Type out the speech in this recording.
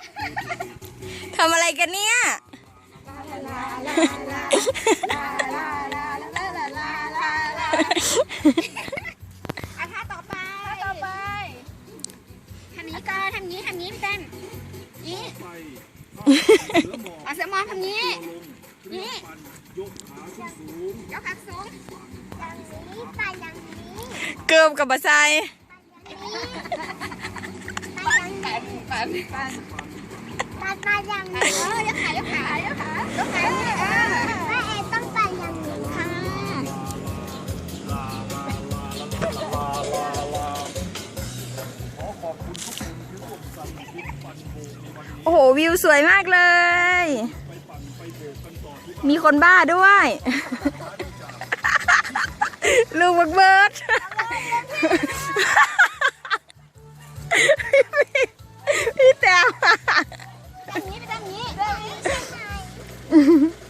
ทำอะไรกันเนี่ยท่าต่อไปทำนี้ก่อนทำนี้พี่เต้นนี่เอาเสือมองทำนี้นี่ยกขาสูงอย่างนี้ไปอย่างนี้เกือบกับบัสไซไปอย่างนี้ยกขายกขาแม่เอต้องไปอย่างนี้ค่ะโอ้โหวิวสวยมากเลย มีคนบ้าด้วย ลูกบักเบิร์ดพี่แต้วแบบนี้ไปแบบนี้